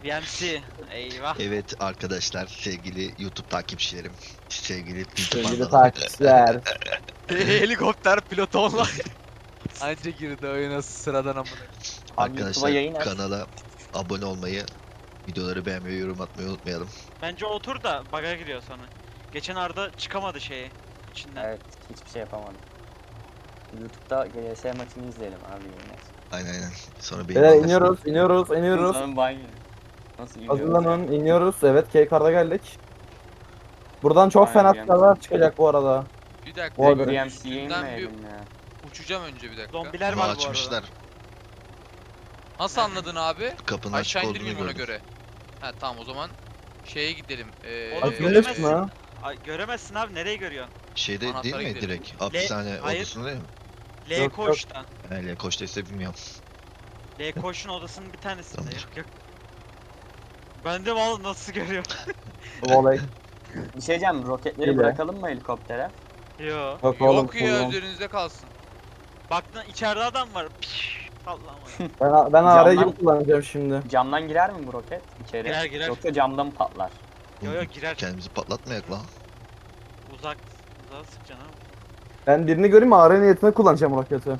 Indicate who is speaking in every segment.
Speaker 1: BMC. Eyvah.
Speaker 2: Evet arkadaşlar, sevgili YouTube takipçilerim, sevgili YouTube
Speaker 3: Sevgili
Speaker 2: anladım.
Speaker 3: takipçiler.
Speaker 4: Helikopter pilotu online. Anca girdi oyuna sıradan amına.
Speaker 3: Abi YouTube'a
Speaker 2: Arkadaşlar
Speaker 3: yayın aç.
Speaker 2: kanala abone olmayı, videoları beğenmeyi, yorum atmayı unutmayalım.
Speaker 1: Bence otur da bug'a giriyor sonra. Geçen Arda çıkamadı şeyi içinden.
Speaker 3: Evet, hiçbir şey yapamadım. YouTube'da GS maçını izleyelim abi yayın aç.
Speaker 2: Aynen. Sonra benim
Speaker 5: Beyler
Speaker 2: anlaşılır.
Speaker 5: iniyoruz.
Speaker 3: Sonra banyo. Nasıl iniyoruz?
Speaker 5: Hazırlanın, iniyoruz. Evet, K-Card'a geldik. Buradan çok
Speaker 3: Aynen,
Speaker 5: fena
Speaker 3: BMC.
Speaker 5: silahlar çıkacak bu arada.
Speaker 4: Bir dakika.
Speaker 5: Bu arada-
Speaker 3: BMC'ye
Speaker 4: Üstünden bir
Speaker 3: inmeyelim ya.
Speaker 4: uçacağım önce bir dakika.
Speaker 1: Zombiler
Speaker 2: Ama
Speaker 1: var bu
Speaker 2: açmışlar.
Speaker 1: arada.
Speaker 4: Nasıl anladın abi?
Speaker 2: Kapının açık
Speaker 4: Aşağı
Speaker 2: olduğunu
Speaker 4: indirmeyeyim ona
Speaker 2: gördüm.
Speaker 4: göre. Ha tamam o zaman şeye gidelim.
Speaker 1: Oğlum,
Speaker 4: yol
Speaker 5: Açılış
Speaker 1: göremezsin.
Speaker 4: üstü.
Speaker 5: mı?
Speaker 1: Ay, göremezsin abi, nereye görüyorsun?
Speaker 2: Şeyde
Speaker 4: Anahtara
Speaker 2: değil mi
Speaker 4: gidelim.
Speaker 2: direkt? Hapishane
Speaker 1: hayır.
Speaker 2: odasında değil mi?
Speaker 1: L
Speaker 5: Yok,
Speaker 1: koğuşta.
Speaker 2: Öyle koştaysa bilmiyorum.
Speaker 1: L koğuşun odasının bir tanesinde.
Speaker 2: Tamam.
Speaker 1: Yok. Ben de mal nasıl görüyorum?
Speaker 5: Voley.
Speaker 3: Bir şey diyeceğim, roketleri
Speaker 5: İyi be.
Speaker 3: bırakalım mı helikoptere?
Speaker 1: Yo.
Speaker 5: Yok oğlum.
Speaker 4: Yok ya
Speaker 5: kullan.
Speaker 4: üzerinizde kalsın.
Speaker 1: Baktın içeride adam var. Piş, Allah'ım.
Speaker 5: Ben AR
Speaker 3: Camdan-
Speaker 5: gibi kullanacağım şimdi.
Speaker 3: Camdan girer mi bu roket içeri?
Speaker 1: Girer, girer.
Speaker 3: Yoksa camdan mı patlar?
Speaker 1: Yo yo girer.
Speaker 2: Kendimizi patlatmayak lan.
Speaker 1: Uzağa sıkacaksın abi.
Speaker 5: Ben birini göreyim mi? AR niyetine kullanacağım roketi.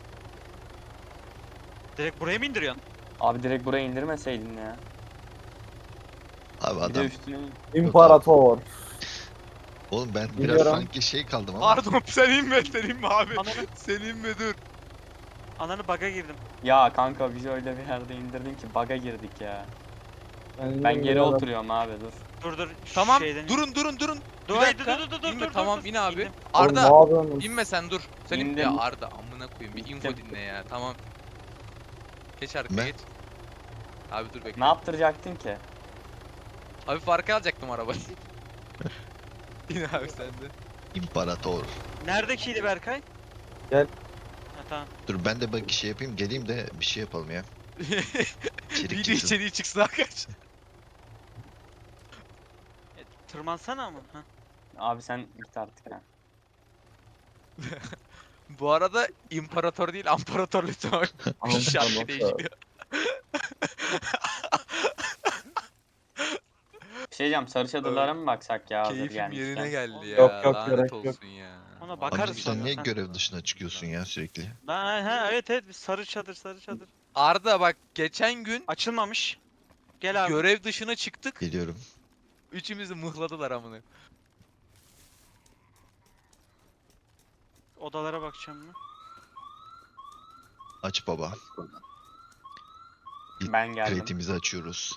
Speaker 1: Direkt buraya mı indiriyorsun?
Speaker 3: Abi direkt buraya indirmeseydin ya.
Speaker 2: Abi
Speaker 3: Bir de
Speaker 2: adam.
Speaker 3: üstüne...
Speaker 5: İmparator.
Speaker 2: Oğlum ben biraz
Speaker 5: Biliyorum.
Speaker 2: sanki şey kaldım ama.
Speaker 4: Pardon sen inme abi.
Speaker 1: Ananı,
Speaker 4: Sen inme dur.
Speaker 1: ananı bug'a girdim.
Speaker 3: Ya kanka bizi öyle bir yerde indirdin ki bug'a girdik ya. Ben geri oturuyorum abi dur.
Speaker 1: Dur şu
Speaker 4: Tamam
Speaker 1: şeyden.
Speaker 4: durun.
Speaker 1: Dur,
Speaker 4: Bir
Speaker 1: hayır,
Speaker 4: dakika.
Speaker 1: dur,
Speaker 4: İnme,
Speaker 1: dur,
Speaker 4: tamam
Speaker 1: dur.
Speaker 4: in abi.
Speaker 1: İndim.
Speaker 5: Arda.
Speaker 4: Arda inme sen dur. Sen in.
Speaker 3: İndim.
Speaker 4: Ya Arda amına koyayım bir info
Speaker 3: İndim.
Speaker 4: dinle ya tamam. Geç arkaya
Speaker 2: Ne?
Speaker 4: geç. Abi dur bekle.
Speaker 3: Ne yaptıracaktın ki?
Speaker 4: Hafif arkaya alacaktım arabayı. İn abi sen de.
Speaker 2: İmparator.
Speaker 1: Neredekiydi Berkay?
Speaker 5: Gel.
Speaker 1: Ha tamam.
Speaker 2: Dur ben de bak şey yapayım, geleyim de bir şey yapalım ya. İçerik
Speaker 4: Video
Speaker 2: çıksın.
Speaker 4: içeriği çıksın arkadaş.
Speaker 1: Tırmansana ama. Ha.
Speaker 3: Abi sen git artık ha.
Speaker 4: Bu arada imparator değil amparator lütfen bak.
Speaker 5: Amparator.
Speaker 4: Şarkı değişiyor.
Speaker 3: Bir şey diyeceğim, sarı çadırlara mı baksak ya hazır
Speaker 4: Keyfim
Speaker 3: gelmişken?
Speaker 4: yerine geldi ya.
Speaker 5: Yok, yok,
Speaker 4: Lanet
Speaker 5: gerek yok.
Speaker 4: olsun ya.
Speaker 1: Ona
Speaker 2: Abi
Speaker 1: bakarız
Speaker 2: sen niye
Speaker 1: sonra.
Speaker 2: görev dışına çıkıyorsun ya sürekli?
Speaker 1: Ha evet bir sarı çadır.
Speaker 4: Arda bak geçen gün
Speaker 1: Açılmamış. Gel abi.
Speaker 4: görev dışına çıktık.
Speaker 2: Geliyorum.
Speaker 4: Üçümüzü mıhladılar amına.
Speaker 1: Odalara bakacağım mı?
Speaker 2: Aç baba.
Speaker 3: Ben geldim.
Speaker 2: Crate'imizi açıyoruz.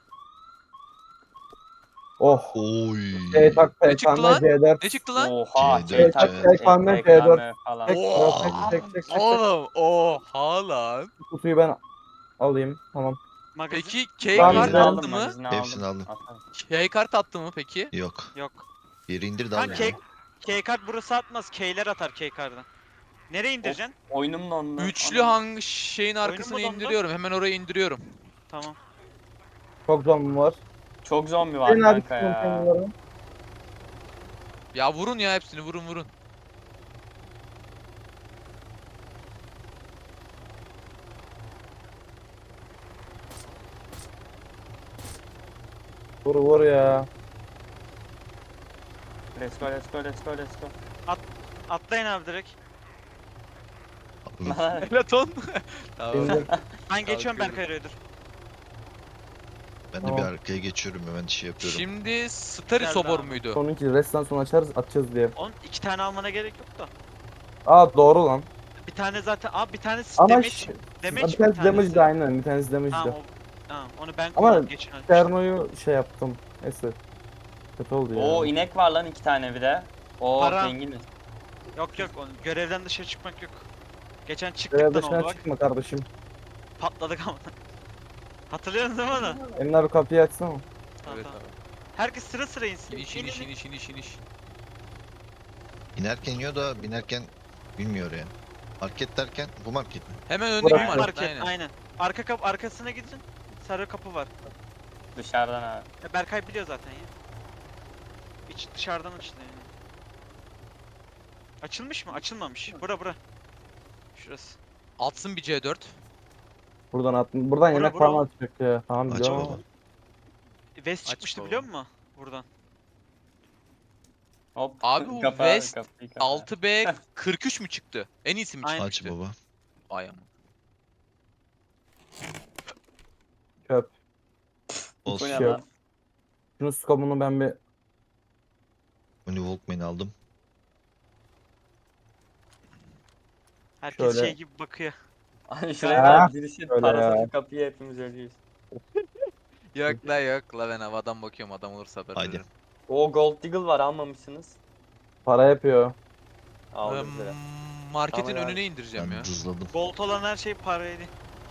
Speaker 5: Oh.
Speaker 2: Oy.
Speaker 5: Tak
Speaker 4: Ne çıktı lan?
Speaker 5: C4.
Speaker 4: Ne çıktı lan?
Speaker 3: Oha
Speaker 2: C4,
Speaker 3: şey tak,
Speaker 2: C4.
Speaker 5: C4
Speaker 3: falan.
Speaker 5: Çek,
Speaker 4: Oo.
Speaker 5: çek.
Speaker 4: Oğlum oha lan.
Speaker 5: Kutuyu ben alayım. Tamam.
Speaker 1: Magazin.
Speaker 4: Peki
Speaker 5: Ben
Speaker 4: K-kart
Speaker 5: izledim.
Speaker 4: attı mı?
Speaker 2: Hepsini aldım.
Speaker 3: Atarım.
Speaker 4: K-kart attı mı peki?
Speaker 2: Yok.
Speaker 1: Yok.
Speaker 2: Yeri indir de
Speaker 1: Ha
Speaker 2: al.
Speaker 1: K-kart burası atmaz. K'ler atar K-kart'dan. Nereye indireceksin?
Speaker 3: Oyunum dondu.
Speaker 4: Üçlü
Speaker 3: Ana.
Speaker 4: hangi şeyin arkasına
Speaker 1: dondu?
Speaker 4: indiriyorum. Hemen oraya indiriyorum.
Speaker 1: Tamam.
Speaker 5: Çok zombi var.
Speaker 3: Çok zombi var
Speaker 5: Senin
Speaker 3: kanka
Speaker 5: abi
Speaker 3: ya.
Speaker 5: konteynerları.
Speaker 4: Ya vurun ya hepsini vurun.
Speaker 5: Vur ya.
Speaker 3: Let's go.
Speaker 1: Atlayın abi direkt.
Speaker 4: Platon. Tamam.
Speaker 5: İndir.
Speaker 1: Ben geçiyorum
Speaker 4: Kalkıyorum.
Speaker 1: Berkay Raider.
Speaker 2: Ben de
Speaker 5: Tamam.
Speaker 2: bir arkaya geçiyorum, hemen şey yapıyorum.
Speaker 4: Şimdi Stari
Speaker 1: Geldi
Speaker 4: Sobor
Speaker 1: abi.
Speaker 4: muydu?
Speaker 5: Sonunki restten sonra atacağız diye.
Speaker 1: Onun 2 tane almana gerek yok da.
Speaker 5: Doğru lan.
Speaker 1: Bir tane zaten. Abi bir tanesi
Speaker 5: Ama
Speaker 1: damage.
Speaker 5: bir
Speaker 1: Damage
Speaker 5: tanesi damage de aynen. Bir tanesi damage
Speaker 1: Tamam,
Speaker 5: de.
Speaker 1: tamam onu ben
Speaker 5: Ama
Speaker 1: kullandım geçen ay.
Speaker 5: Terno'yu şey yaptım. Neyse. Kötü oldu ya.
Speaker 3: Oo inek var lan 2 tane bir de. Oo
Speaker 1: Para.
Speaker 3: zenginiz.
Speaker 1: Yok onu görevden dışarı çıkmak yok. Geçen
Speaker 5: Görev
Speaker 1: çıktıktan oldu
Speaker 5: dışına
Speaker 1: bak.
Speaker 5: çıkma kardeşim.
Speaker 1: Patladık ama. Hatırlıyorsunuz değil mi onu?
Speaker 5: Emin abi kapıyı açsana.
Speaker 1: Tamam,
Speaker 4: Evet
Speaker 1: tamam.
Speaker 4: abi.
Speaker 1: Herkes sıra insin.
Speaker 4: İniş.
Speaker 2: İnerken yiyor da binerken bilmiyor ya. Market derken bu market mi?
Speaker 4: Hemen
Speaker 5: Bırak.
Speaker 4: öndeki
Speaker 1: Market,
Speaker 4: market
Speaker 1: aynen. Arka kapı arkasına gidin. Sarı kapı var.
Speaker 3: Dışarıdan abi.
Speaker 1: Berkay biliyor zaten ya. İç dışarıdan açılıyor yani. Açılmış mı? Açılmamış. Bura. Şurası.
Speaker 4: Atsın bir C4.
Speaker 5: Buradan yemek
Speaker 1: bura.
Speaker 5: falan atacak ya. Tamam
Speaker 2: Aç
Speaker 5: biliyorum
Speaker 2: baba.
Speaker 5: ama.
Speaker 1: West
Speaker 4: Aç
Speaker 1: çıkmıştı
Speaker 4: baba.
Speaker 1: biliyor musun? Buradan.
Speaker 3: Hop.
Speaker 4: Abi bu
Speaker 3: kapa,
Speaker 4: West
Speaker 3: kapıyı kapa.
Speaker 4: 6B 43 mü çıktı? En iyisi mi
Speaker 1: Aynen.
Speaker 2: Aç
Speaker 4: çıkmıştı?
Speaker 2: baba.
Speaker 4: Ay ama.
Speaker 5: Çöp.
Speaker 3: Bu
Speaker 2: Olsun.
Speaker 3: ne
Speaker 5: şey yok.
Speaker 3: lan?
Speaker 5: Şunun skomunu ben bir
Speaker 2: Bunu Walkman'i aldım.
Speaker 1: Herkes
Speaker 5: Şöyle.
Speaker 1: şey gibi bakıyor.
Speaker 3: Ay şuraya
Speaker 5: Ha,
Speaker 3: bak, birisi
Speaker 5: öyle
Speaker 3: parasa
Speaker 5: ya.
Speaker 3: şu kapıyı, hepimiz ölüyoruz.
Speaker 4: Yok la ben havadan bakıyorum, adam olursa haber
Speaker 2: Haydi.
Speaker 4: veririm.
Speaker 3: O Gold Deagle var, almamışsınız.
Speaker 5: Para yapıyor.
Speaker 3: Aldık lira.
Speaker 4: Marketin
Speaker 3: Tamam abi.
Speaker 4: önüne indireceğim
Speaker 2: Ben
Speaker 4: ya.
Speaker 2: dızladım.
Speaker 1: Gold olan her şey paraydı.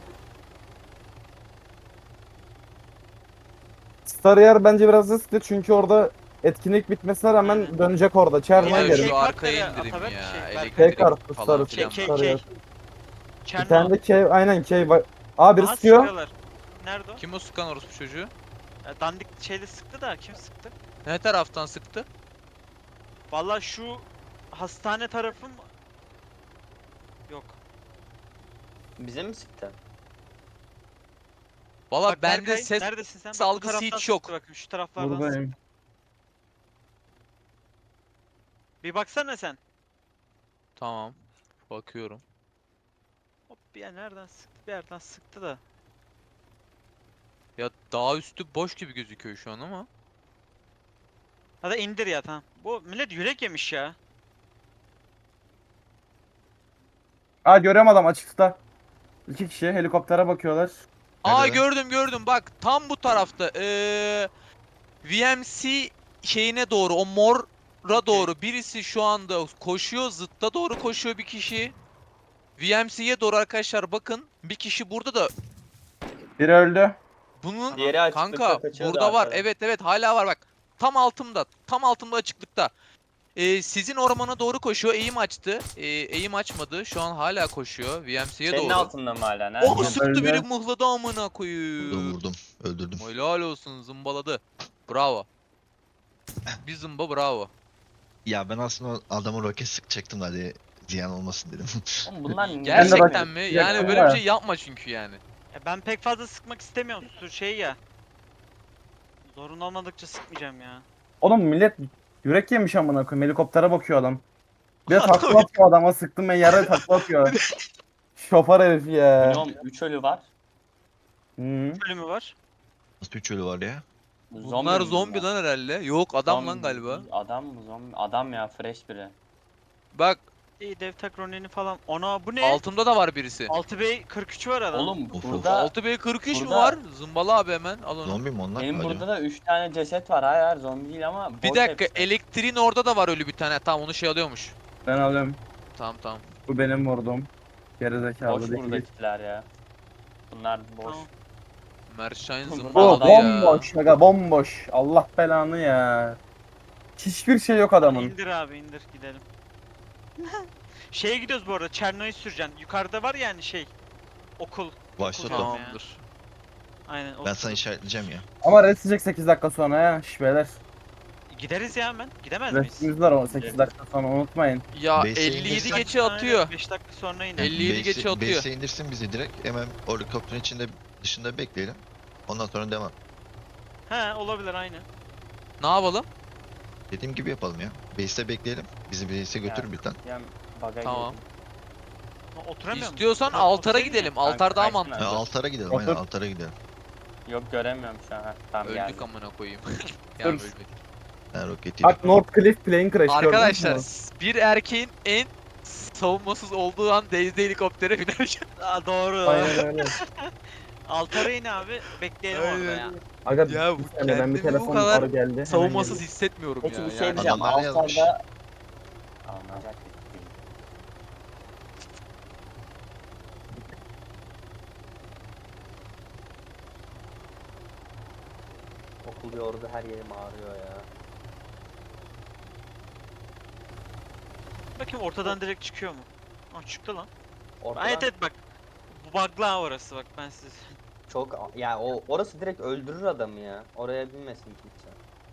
Speaker 5: Staryer bence biraz riskli çünkü orada etkinlik bitmesine rağmen
Speaker 1: Aynen.
Speaker 5: dönecek orada. Çerno'ya
Speaker 4: Ya
Speaker 1: Yani
Speaker 5: gelin.
Speaker 4: şu
Speaker 1: kart
Speaker 4: arkaya
Speaker 1: nere
Speaker 4: indireyim
Speaker 1: Ataberk
Speaker 4: ya.
Speaker 1: şey,
Speaker 4: Elektrik
Speaker 5: K-Kart,
Speaker 4: falan
Speaker 5: Star,
Speaker 4: filan var.
Speaker 5: Staryer. Bir
Speaker 1: Çerno.
Speaker 5: tane de K, aynen K var. Aa biri
Speaker 1: Aha
Speaker 5: sıkıyor.
Speaker 1: sıkıyorlar. Nerede o?
Speaker 4: Kim o sıkan orospu çocuğu?
Speaker 1: Dandik şeyle sıktı da kim sıktı?
Speaker 4: Ne taraftan sıktı?
Speaker 1: Vallahi şu hastane tarafım yok.
Speaker 3: Bize mi sıktı?
Speaker 4: Valla
Speaker 1: Bak
Speaker 4: bende
Speaker 1: Berkay,
Speaker 4: ses
Speaker 1: neredesin sen? Bak bu
Speaker 4: algısı
Speaker 1: taraftan
Speaker 4: hiç yok.
Speaker 1: sıktı bakın şu taraflardan
Speaker 5: Buradayım.
Speaker 1: sıktı. Bir baksana sen.
Speaker 4: Tamam. Bakıyorum.
Speaker 1: Hop bir yer nereden sıktı? Bir yerden sıktı da.
Speaker 4: Ya dağ üstü boş gibi gözüküyor şu an ama.
Speaker 1: Hadi indir ya tamam. Bu millet yürek yemiş ya.
Speaker 5: Aa görüyorum adam açıkta. İki kişi helikoptere bakıyorlar.
Speaker 4: Aa
Speaker 2: Nerede?
Speaker 4: gördüm bak tam bu tarafta. VMC şeyine doğru, o mora
Speaker 1: Okey.
Speaker 4: doğru birisi şu anda koşuyor, zıtta doğru koşuyor bir kişi. VMC'ye doğru arkadaşlar bakın, bir kişi burada da
Speaker 5: Biri öldü.
Speaker 4: bunun
Speaker 3: Diğeri açıklıkta
Speaker 4: kanka
Speaker 3: kaçıyordu
Speaker 4: burada var,
Speaker 3: arkada.
Speaker 4: evet hala var bak, tam altımda açıklıkta. Sizin ormana doğru koşuyor, eğim açtı, eğim açmadı, şu an hala koşuyor VMC'ye
Speaker 3: Senin
Speaker 4: doğru.
Speaker 3: altında mı hala? Nerede?
Speaker 4: Oh sıktı
Speaker 5: Öldü.
Speaker 4: biri, mıhladı amına
Speaker 2: Vurdum
Speaker 4: koyayım.
Speaker 2: vurdum. Öldürdüm.
Speaker 4: Helal olsun, zımbaladı. Bravo. Bir zımba bravo.
Speaker 2: Ya ben aslında o adamı roket sıkacaktım da hadi ziyan olmasın dedim.
Speaker 3: Oğlum bunlar niye
Speaker 4: Gerçekten
Speaker 3: çekmedi?
Speaker 4: mi?
Speaker 5: Yaktım
Speaker 4: Yani böyle bir
Speaker 5: ya.
Speaker 4: şey yapma çünkü yani.
Speaker 1: Ben pek fazla sıkmak istemiyorum. Şey ya. Zorun olmadıkça sıkmayacağım ya.
Speaker 5: Oğlum millet yürek yemiş amına koyayım. Helikoptere bakıyor adam. Bir de takla atıyor adama, sıktım ben yere takla atıyor. Şoför herif ya.
Speaker 3: Minimum 3 ölü var.
Speaker 5: Hı.
Speaker 1: Bölümü var.
Speaker 2: Nasıl bir çölü var ya?
Speaker 4: Bunlar
Speaker 3: mi
Speaker 4: zombi
Speaker 3: bunlar?
Speaker 4: lan herhalde. Yok adam lan
Speaker 3: Zombi-
Speaker 4: galiba.
Speaker 3: Adam mı zombi? Adam ya, fresh biri.
Speaker 4: Bak
Speaker 1: İyi dev tak Ronin'i falan. Ona bu ne?
Speaker 4: altımda da var birisi.
Speaker 1: 6B 43 var adam.
Speaker 3: Oğlum
Speaker 2: Of,
Speaker 3: burada
Speaker 4: 6B43 mü
Speaker 3: burada-
Speaker 4: var? Zımbala abi hemen al onu.
Speaker 2: Zombi mi onlar?
Speaker 3: benim
Speaker 2: Acaba?
Speaker 3: burada da 3 tane ceset var. Hayır zombi değil ama
Speaker 4: Bir
Speaker 3: boş
Speaker 4: dakika,
Speaker 3: hepsi.
Speaker 4: elektriğin orada da var ölü bir tane. Tamam onu şey alıyormuş.
Speaker 5: Ben alıyorum.
Speaker 4: Tamam.
Speaker 5: Bu benim vurdum. Gerizekalı
Speaker 3: Boş
Speaker 5: değil.
Speaker 3: buradakiler ya. Bunlar boş.
Speaker 1: Tamam.
Speaker 4: Merşayn
Speaker 3: Burada
Speaker 5: Bu
Speaker 4: zımbaladı
Speaker 3: adam-
Speaker 4: ya.
Speaker 5: bomboş aga, bomboş. Allah belanı ya. Hiçbir şey yok adamın.
Speaker 1: İndir abi indir gidelim. Şeye gidiyoruz bu arada. Çerno'yu süreceksin. Yukarıda var yani şey. Okul.
Speaker 2: Başlat
Speaker 1: Tamam.
Speaker 2: o.
Speaker 4: Tamamdır.
Speaker 1: Aynen.
Speaker 2: Ben
Speaker 1: o
Speaker 2: sana işaretleyeceğim ya.
Speaker 5: Ama restecek 8 dakika sonra ya. Şş beyler.
Speaker 1: Gideriz ya hemen. Gidemez miyiz?
Speaker 5: Restimiz var o 8 dakika sonra, unutmayın.
Speaker 4: Ya
Speaker 2: Base'e
Speaker 4: 57
Speaker 2: indirsen-
Speaker 4: geçe atıyor.
Speaker 1: 5 dakika sonra iner.
Speaker 4: 57 geçe atıyor.
Speaker 2: Base'e indirsin bizi direkt. Hemen o helikopterin içinde dışında bekleyelim. Ondan sonra devam.
Speaker 1: He olabilir aynen.
Speaker 4: Ne yapalım?
Speaker 2: Dediğim gibi yapalım ya. Base'te bekleyelim. Bizi base'e götürür bir tane.
Speaker 3: Yani baga
Speaker 4: Tamam.
Speaker 3: girdim.
Speaker 1: Ha, oturamıyor musun?
Speaker 4: İstiyorsan
Speaker 1: Otur-
Speaker 4: altara
Speaker 1: oturayım mı?
Speaker 4: gidelim.
Speaker 3: Kanka,
Speaker 4: Altar daha
Speaker 3: kaçsın
Speaker 4: mantıklı.
Speaker 3: abi.
Speaker 2: Altara gidelim.
Speaker 5: Otur.
Speaker 2: Aynen altara gidelim.
Speaker 3: Yok göremiyorum şu an. Heh, tamam
Speaker 4: Öldük
Speaker 3: geldim.
Speaker 4: amına koyayım. ya
Speaker 5: Dur.
Speaker 4: ölmedik.
Speaker 2: Ben roketi
Speaker 5: Bak North Cliff Plane Crash gördünüz
Speaker 4: Arkadaşlar
Speaker 5: mü?
Speaker 4: bir erkeğin en savunmasız olduğu an Daisy helikoptere binerken.
Speaker 1: Aa, doğru.
Speaker 5: Aynen öyle.
Speaker 1: Altara in abi. Bekleyelim orada ya.
Speaker 5: Aga
Speaker 4: Ya
Speaker 5: bir
Speaker 4: bu
Speaker 5: saniye, ben bir
Speaker 4: kendimi bu
Speaker 5: telefon
Speaker 4: kadar
Speaker 5: arı geldi. hemen
Speaker 4: savunmasız
Speaker 5: geldi.
Speaker 4: hissetmiyorum
Speaker 3: Peki
Speaker 4: ya.
Speaker 3: bir şey
Speaker 4: Yani
Speaker 3: diyeceğim.
Speaker 2: Adamlar ne yazmış?
Speaker 3: Altarda... Alınacak bir değil. Okul yordu, her yerim ağrıyor ya.
Speaker 1: Bakayım ortadan direkt çıkıyor mu? Aa çıktı lan.
Speaker 3: Ortadan
Speaker 1: Evet evet bak. Bu bug'la orası bak ben size.
Speaker 3: çok ya, o orası direkt öldürür adamı ya. Oraya binmesin kimse.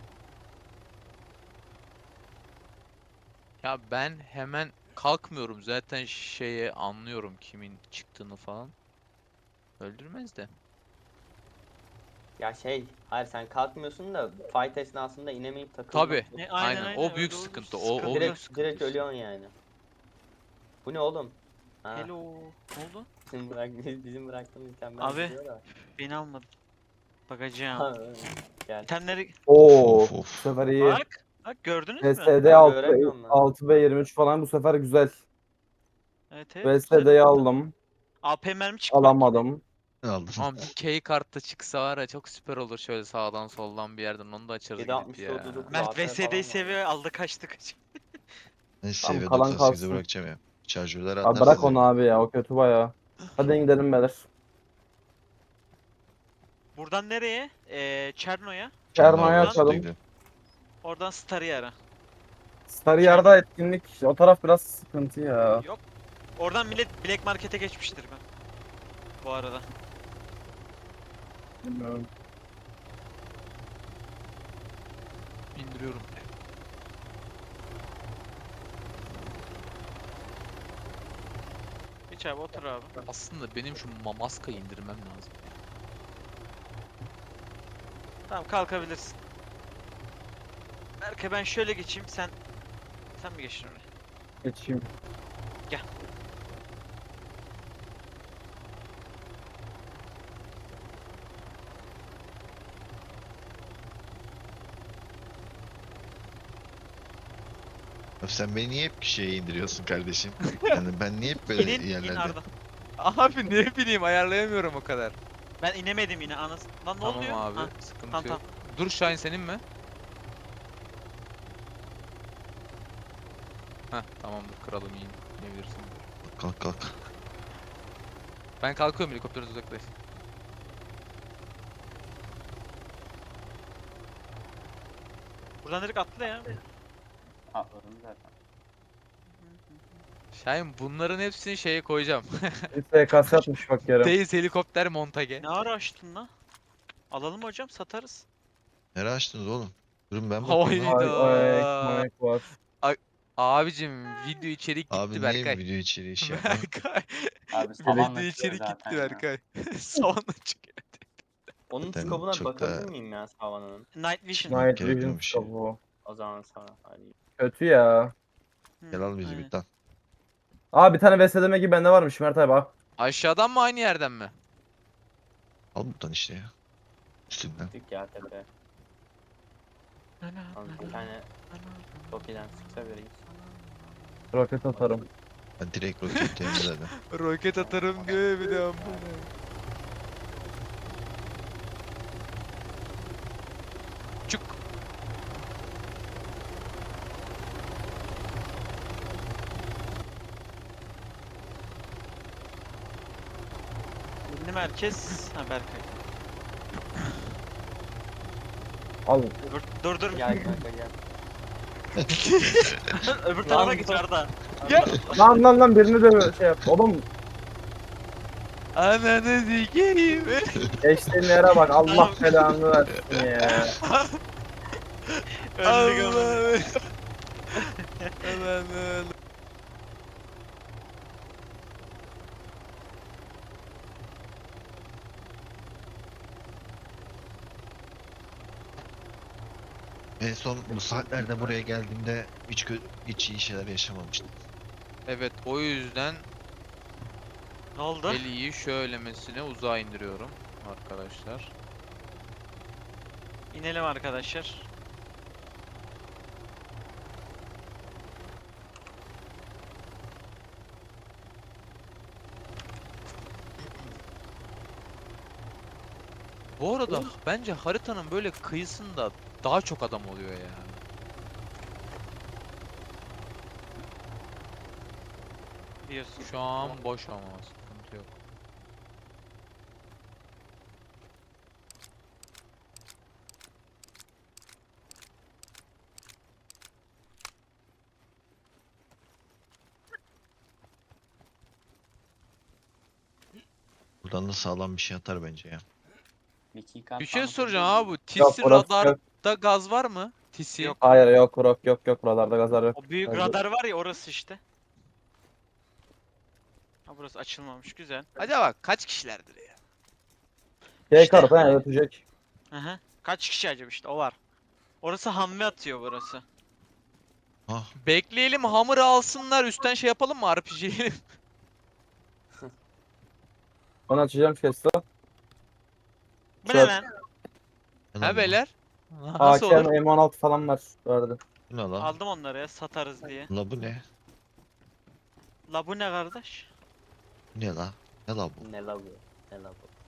Speaker 4: Ya ben hemen kalkmıyorum zaten, şeye anlıyorum kimin çıktığını falan. Öldürmez de.
Speaker 6: Ya hayır sen kalkmıyorsun da fight esnasında inemeyip takılmak.
Speaker 4: Tabi. Aynen. O büyük
Speaker 1: öyle
Speaker 4: sıkıntı.
Speaker 1: olursa
Speaker 4: O
Speaker 1: sıkıntı.
Speaker 4: büyük sıkıntı.
Speaker 6: Direkt ölüyorsun yani. Bu ne oğlum? Ha,
Speaker 1: Hello. Ne oldu?
Speaker 6: bizim bıraktığımız itemler
Speaker 1: Abi.
Speaker 6: gidiyor da.
Speaker 1: Beni almadın. Bakacağım.
Speaker 6: Ha, gel.
Speaker 1: İtemleri
Speaker 5: Oo,
Speaker 2: Of,
Speaker 5: bu
Speaker 2: of.
Speaker 5: sefer iyi.
Speaker 1: bak. Bak gördünüz mü?
Speaker 5: VSD
Speaker 6: Ben
Speaker 5: 6,
Speaker 6: göremiyorum lan.
Speaker 5: 6 ve 23 falan bu sefer güzel.
Speaker 1: Evet güzel
Speaker 5: VSD'yi
Speaker 1: oldu.
Speaker 5: aldım.
Speaker 1: AP mermi çıkmadı.
Speaker 5: Alamadım.
Speaker 2: Aldım.
Speaker 4: Ama bir key kartta çıksa var ya çok süper olur şöyle sağdan soldan bir yerden onu da açarız gidip
Speaker 6: 7.60
Speaker 4: ya.
Speaker 6: 39
Speaker 1: Mert
Speaker 6: AP falan
Speaker 1: VSD'yi
Speaker 6: var.
Speaker 1: seviyor aldı kaçtı kaç.
Speaker 2: Neyse
Speaker 5: Tamam,
Speaker 2: seviye
Speaker 5: kalan
Speaker 2: 98'e
Speaker 5: kalsın.
Speaker 2: bırakacağım ya. Şarjörleri
Speaker 5: Abi
Speaker 2: atarsın.
Speaker 5: bırak onu abi ya, o kötü baya. Hadi gidelim beyler.
Speaker 1: Buradan nereye? Çerno'ya.
Speaker 5: Çerno'ya
Speaker 1: Oradan-
Speaker 5: açalım.
Speaker 1: Oradan Star'ı ara.
Speaker 5: Sarıyer'de etkinlik, o taraf biraz sıkıntı ya.
Speaker 1: Yok. Oradan millet Black Market'e geçmiştir ben. Bu arada.
Speaker 5: Bilmiyorum.
Speaker 4: İndiriyorum.
Speaker 1: Geç abi otur abi.
Speaker 4: Aslında benim şu maskayı indirmem lazım.
Speaker 1: Tamam kalkabilirsin. Berke ben şöyle geçeyim sen mi geçtin oraya?
Speaker 5: Geçeyim.
Speaker 2: Abi sen beni niye hep şeye indiriyorsun kardeşim? Yani ben niye hep böyle
Speaker 1: İnin
Speaker 2: yerlerde?
Speaker 1: Arda.
Speaker 4: Abi ne bileyim ayarlayamıyorum o kadar.
Speaker 1: Ben inemedim yine anas. Lan ne
Speaker 4: Tamam
Speaker 1: oluyor?
Speaker 4: abi
Speaker 1: Ha,
Speaker 4: sıkıntı
Speaker 1: tamam,
Speaker 4: yok. Dur Şahin senin mi? Heh tamamdır kralım iyiyim. Diyebilirsin.
Speaker 2: Kalk kalk.
Speaker 4: Ben kalkıyorum helikopterden uzaklaş.
Speaker 1: Buradan direkt atla ya.
Speaker 6: Atladım zaten.
Speaker 4: Şahin bunların hepsini şeye koyacağım.
Speaker 5: Bir SKS atmış bak yarım.
Speaker 4: Teyiz helikopter montage.
Speaker 1: Ne ara açtın lan? Alalım hocam satarız.
Speaker 2: Nereye açtınız oğlum? Durun ben
Speaker 4: Havayı
Speaker 2: bakayım lan.
Speaker 5: Ay
Speaker 4: da.
Speaker 5: mayak var.
Speaker 4: Abicim video içerik gitti
Speaker 2: Abi niye
Speaker 4: Berkay.
Speaker 2: video içeriği şey yapma?
Speaker 4: Berkay.
Speaker 6: Abi
Speaker 4: Video
Speaker 6: savanla çıkıyor
Speaker 4: içerik gitti
Speaker 6: zaten ya.
Speaker 4: Berkay. Savanla çıkıyor.
Speaker 6: Onun
Speaker 2: Zaten
Speaker 6: skobuna
Speaker 2: çok
Speaker 6: bakabilir
Speaker 2: da-
Speaker 6: miyim ya savanın?
Speaker 1: Night Vision.
Speaker 2: Çıkmak
Speaker 5: Night
Speaker 2: gerek
Speaker 5: Vision
Speaker 2: yokmuş
Speaker 5: scope bu.
Speaker 6: O zaman sana hadi.
Speaker 5: Kötü ya.
Speaker 2: Gel al bizi
Speaker 1: aynen.
Speaker 2: bir lan.
Speaker 5: Aa, bir tane VSDM gibi bende varmış Mert abi bak.
Speaker 4: Aşağıdan mı aynı yerden mi?
Speaker 2: Al buradan işte ya. Üstünden.
Speaker 6: Gittik ya tepe. Lan bir tane Toki'den sıksa biri gitsin.
Speaker 5: Roket atarım.
Speaker 2: Ben direkt roketteyim zaten.
Speaker 4: Roket atarım göğe bir de Çuk.
Speaker 1: Ünlü merkez. Ha Berkay.
Speaker 5: Al.
Speaker 1: Dur.
Speaker 6: Gel kanka gel.
Speaker 1: Öbür tarafa
Speaker 6: Lan
Speaker 1: git
Speaker 6: dur.
Speaker 1: Arda.
Speaker 5: Lan birini de şey yap. Oğlum
Speaker 4: Ananı sikeyim.
Speaker 5: geçtiğin yere bak, Allah belanı versin ya.
Speaker 1: Öldük ama.
Speaker 4: Allah'ım. Aman
Speaker 2: En son bu saatlerde buraya geldiğimde hiç iyi şeyler yaşamamıştım.
Speaker 4: Evet o yüzden
Speaker 1: Ne oldu?
Speaker 4: Eli'yi şöylemesine uzağa indiriyorum arkadaşlar.
Speaker 1: İnelim arkadaşlar.
Speaker 4: Bu arada bence haritanın böyle kıyısında daha çok adam oluyor ya.
Speaker 1: Diyorsun.
Speaker 4: Şu an boş ama sıkıntı yok.
Speaker 2: Buradan da sağlam bir şey atar bence ya.
Speaker 4: Bir şey soracağım abi bu
Speaker 5: Yok,
Speaker 4: TIS'i
Speaker 5: orası yok.
Speaker 4: radarda gaz var mı? TIS'i.
Speaker 1: Yok.
Speaker 5: Hayır yok buralarda gazlar yok.
Speaker 1: O büyük
Speaker 5: Hadi.
Speaker 1: radar var ya orası işte. Ha burası açılmamış güzel.
Speaker 4: Acaba kaç kişilerdir ya?
Speaker 5: Şey
Speaker 1: İşte
Speaker 5: kartı
Speaker 1: hani-
Speaker 5: ötecek.
Speaker 1: Hı. Kaç kişi acaba işte o var. Orası hamle atıyor burası.
Speaker 2: Ah,
Speaker 4: Bekleyelim hammer'ı alsınlar üstten şey yapalım mı RPG'yi?
Speaker 5: Ben açacağım chest'i.
Speaker 1: Bu ne
Speaker 5: Çöp.
Speaker 1: lan?
Speaker 2: ne
Speaker 4: Ha
Speaker 2: lan bu?
Speaker 4: beyler? Nasıl
Speaker 5: AKM
Speaker 4: olur?
Speaker 5: M16 falan var bu arada.
Speaker 2: Bu ne lan?
Speaker 1: Aldım onları ya satarız diye.
Speaker 2: La bu ne?
Speaker 1: La bu ne kardeş?
Speaker 2: Bu ne la? Ne la bu?
Speaker 6: Ne la bu? Ne la bu?